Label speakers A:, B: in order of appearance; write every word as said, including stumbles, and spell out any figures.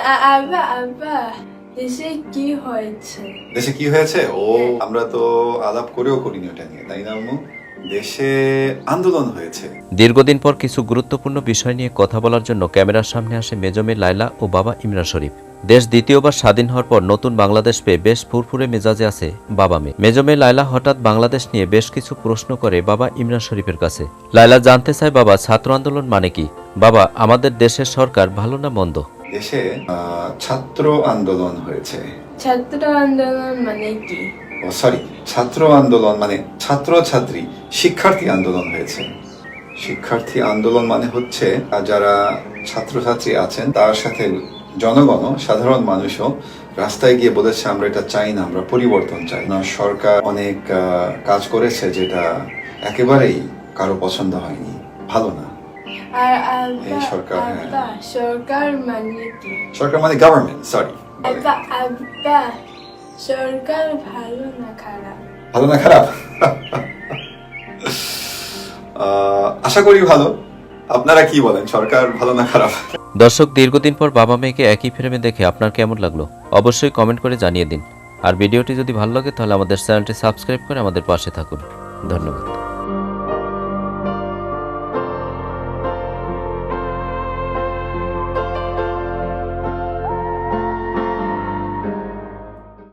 A: আব্বা আব্বা দেশে কি হয়েছে?
B: দেশে কি হয়েছে? ও আমরা তো আলাপ করেও করিনি ওটা নিয়ে, তাই না আম্মু? দেশে আন্দোলন হয়েছে।
C: দীর্ঘদিন পর কিছু গুরুত্বপূর্ণ বিষয় নিয়ে কথা বলার জন্য ক্যামেরার সামনে আসে মেজমে লায়লা ও বাবা ইমরান শরীফ। দেশ দ্বিতীয়বার স্বাধীন হওয়ার পর নতুন বাংলাদেশ পেয়ে বেশ ফুরফুরে মেজাজে আছে বাবা মেয়ে। মেজমে লায়লা হঠাৎ বাংলাদেশ নিয়ে বেশ কিছু প্রশ্ন করে বাবা ইমরান শরীফের কাছে। লায়লা জানতে চায়, বাবা ছাত্র আন্দোলন মানে কি? বাবা, আমাদের দেশের সরকার ভালো না মন্দ?
B: দেশে ছাত্র আন্দোলন হয়েছে।
A: ছাত্র আন্দোলন মানে কি?
B: ও সরি, ছাত্র আন্দোলন মানে ছাত্র ছাত্রী শিক্ষার্থী আন্দোলন হয়েছে। শিক্ষার্থী আন্দোলন মানে হচ্ছে যারা ছাত্রছাত্রী আছেন তার সাথে জনগণ সাধারণ মানুষও রাস্তায় গিয়ে বলেছে আমরা এটা চাই না, আমরা পরিবর্তন চাই না। সরকার অনেক কাজ করেছে যেটা একেবারেই কারো পছন্দ হয়নি, ভালো না।
A: আর আব্বা
B: সরকার
A: আব্বা সরকার মানে কি?
B: সরকার মানে গভর্নমেন্ট। সরি
A: আব্বা আব্বা সরকার ভালো না খারাপ?
B: ভালো না খারাপ? আশা করি ভালো। আপনারা কি বলেন, সরকার ভালো না খারাপ?
C: দর্শক, দীর্ঘদিন পর বাবা মেয়েকে একই ফ্রেমে দেখে আপনার কেমন লাগলো অবশ্যই কমেন্ট করে জানিয়ে দিন। আর ভিডিওটি যদি ভালো লাগে তাহলে আমাদের চ্যানেলটি সাবস্ক্রাইব করে আমাদের পাশে থাকুন। ধন্যবাদ।